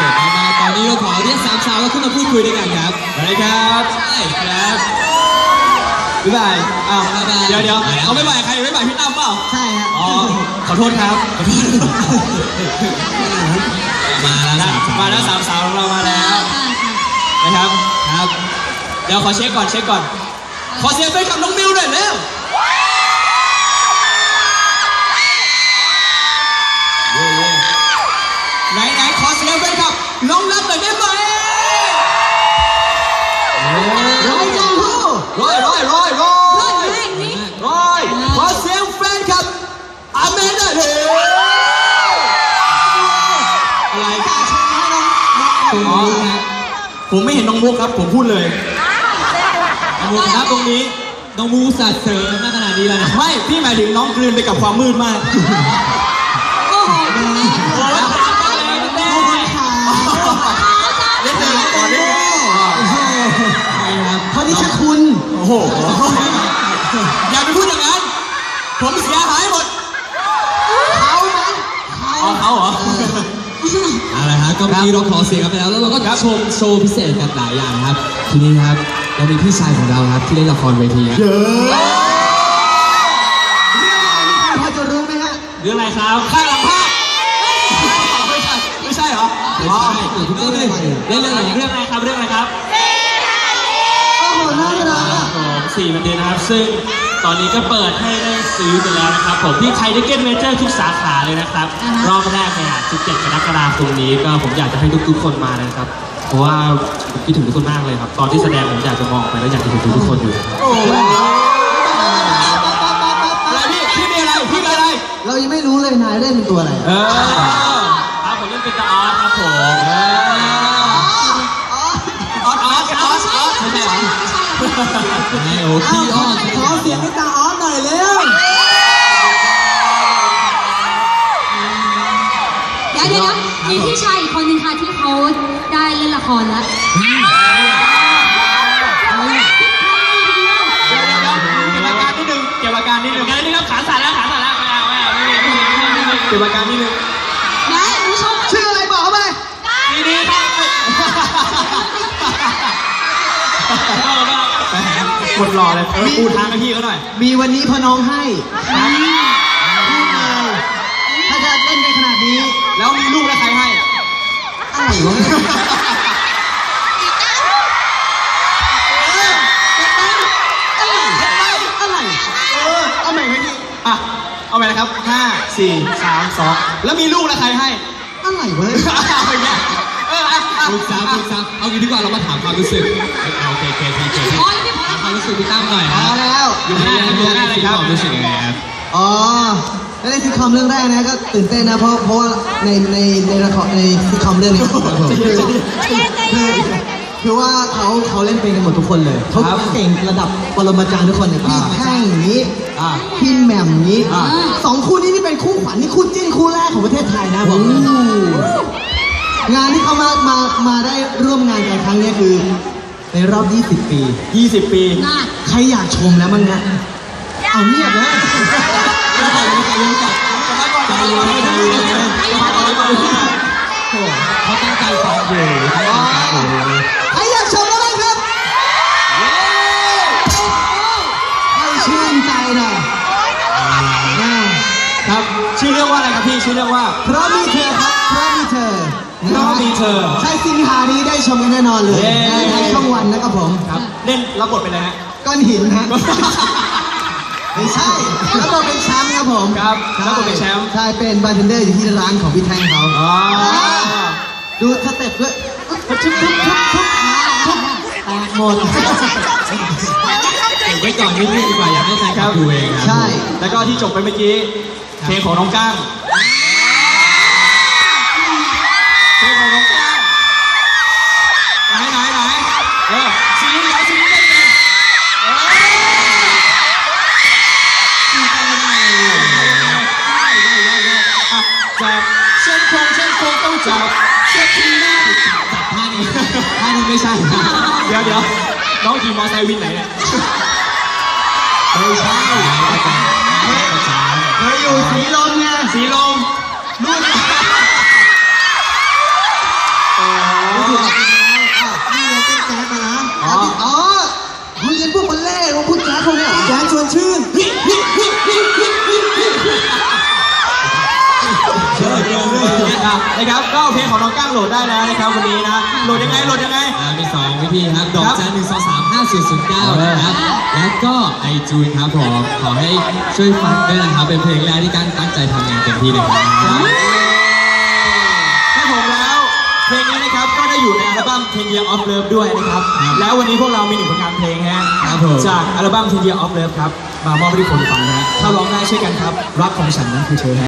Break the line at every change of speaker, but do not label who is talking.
สดมากๆตอนนี้เราขอเรียกสามสาวขึ้นมาพูดคุยด้วยกันครับได้ครับใช่ครับบ๊ายบายอ้าวเดี๋ยวเอาบ๊ายบายใครบ๊ายบายพี่ตั้มเปล่า
ใช่ครับ
อ๋อขอโทษครับมาแล้วสามสาวของเรามาแล้วนะครับครับเดี๋ยวขอเช็คก่อนขอเสียงไปกับน้องมิวหน่อยเร็วไหนขอเสียงไปกับน้องนัทหน่อยได้ไหม
ร้อยจังฮู้
ร้อยขอเสียงแฟนกับอาเมนหน่อยเถอะอะไรผมไม่เห็นน้องมุกครับผมพูดเลยน้องมุกนะตรงนี้น้องมุกสัตว์เสริมมากขนาดนี้แล้วนะไม่พี่หมายถึงน้องกลืนไปกับความมืดมาก
โอ้โหเขาที่ชื่อคุณ
โอ้โหอย่าไปพูดอย่างนั้นผมเสียหายหมดเขาเหรออะไรฮะก็มีเราขอเสียงกันไปแล้วเราก็ชมโชว์พิเศษกันหลายอย่างครับทีนี้ครับเรามีพี่ชายของเราครับที่เล่นละครเวทีครับ
พอจะรู้ไหมฮะ
เรื่องอะไรครับข้างหลังภาพไม่ใช่เหรออ๋อเล่นเรื่องอะไรครับ
โอ้โหน่ารัก
4 มันเดือนนะครับซึ่งตอนนี้ก็เปิดให้ได้ซื้อไปแล้วนะครับผมที่ไทยทิเก็ตเมเจอร์ทุกสาขาเลยนะครับรอบแรกเนี่ย17 กรกฎาคมนี้ก็ผมอยากจะให้ทุกคนมานะครับเพราะว่าผมคิดถึงทุกคนมากเลยครับตอนที่แสดงผมอยากจะมองไปแล้วอยากจะเห็นทุกคนอยู่
อะไรพี่มีอะไร
เรายังไม่รู้เลยนายเล่นเป็นตัวอะไร
ครับผมเล่นเป็นตาออสครับผม
ออสไม่ใช่โอ้พี่ออส
ขอเสียงให้ตาออสหน่อยเร็ว
เดี๋ยวมีพี่ชายอีกคนนึงค่ะที่เขาได้เล่นละครแล้ว
เก็บอาการนิดนึง
นี่ครับขาสั่นแล้ว
เก็บอาการนิดนึง
แม่หนูชอบ
ชื่ออะไรบอกเขาไป
ดีครับ
หมดหล่อเลยพูดทางให้พี่เขาหน่อย
มีวันนี้พอน้องให้ถ้าจะเล่นในขนาดนี้
แล้วมีลูกแล้วใครให้
อะไรวะเอาใหม่ไหมพี่
เอาใหม่นะครับ5 4 3 2แล้วมีลูกแล้วใครให้
อะไรวะ
ปรึกษาเอางี้ดีกว่าเรามาถามความรู้สึกโอเคความรู้สึกพี่ตั้มหน่อยครับ
แล้ว
อยู่ในอะไรครับความรู้สึกยังไงครับ
แล้วในซิทคอมเรื่องแรกนะก็ตื่นเต้นนะเพราะว่าในละครในซิทคอมเรื่องนี้คือว่าเขาเล่นเป็นกันหมดทุกคนเลยเขาเก่งระดับปรมาจารย์ทุกคนเลยพี่แท่งอย่างนี้พี่แหม่มอย่างนี้2 คู่นี้นี่เป็นคู่ขวัญนี่คู่จิ้นคู่แรกของประเทศไทยนะผมงานที่เขามาได้ร่วมงานกันครั้งนี้คือในรอบ20 ปีใครอยากชมแล้วมั้งนะเอาเงียบนะ
เขาตั้งใจฟังอยู่
ใครอยากชมแล้วมั้งครับให้ชื่นใจหน่อย
ครับชื่อเรื่องว่าอะไรครับพี่ชื่อเรื่องว่า
เพราะมีเธอครับเพราะมีเธอใช่สิงหานี้ได้ชมกันแน่นอนเลยในช่องวันนะครับผม
ครับเล่นรับบทเป็นอะไรฮะ
ก้อนหินฮะไม่ใช่รับบทเป็นแชมป์ครับผม
ครับรับบทเป็นแชมป์
ใช่เป็นบาร์เทนเดอร์อยู่ที่ร้านของพี่แทงเขาดูสเต็ปด้วยทุบแตกหมด
ไว้ก่อนนิดนึงดีกว่าอยากให้แฟนคลับดูเองครับ
ใช่
แล้วก็ที่จบไปเมื่อกี้เพลงของน้องก้างเพลงของน้องก้างไหนซีรีส์ได้เป็นจับเส้นโค้งต้องจับเส้นที่หน้าจับท่านี้ไม่ใช่เดี๋ยวน้องขี่มอไซค์วินไหนเนี่ย
ไม่ใช่เคยอยู่สีลมไง
สีลมนู่นนะครับก็เพลงของน้องก้างโหลดได้แล้วนะครับวันนี้นะโหลดยังไง
มี2 วิธีครับดอกจัน1235409นะครับแล้วก็ไอจูนครับผมขอให้ช่วยฟังด้วยนะครับเป็นเพลงแรกที่กั้งตั้งใจทำงานเต็มที่เลยครับ
ครับผมแล้วเพลงนี้นะครับก็ได้อยู่ในอัลบั้ม10 Year of Love ด้วยนะครับแล้ววันนี้พวกเรามี1 ผลงานเพลงฮะจากอัลบั้ม10 Year of Love ครับมามอบให้ทุกคนฟังนะถ้าร้องได้ช่วยกันครับรักของฉันนั้นคือเธอ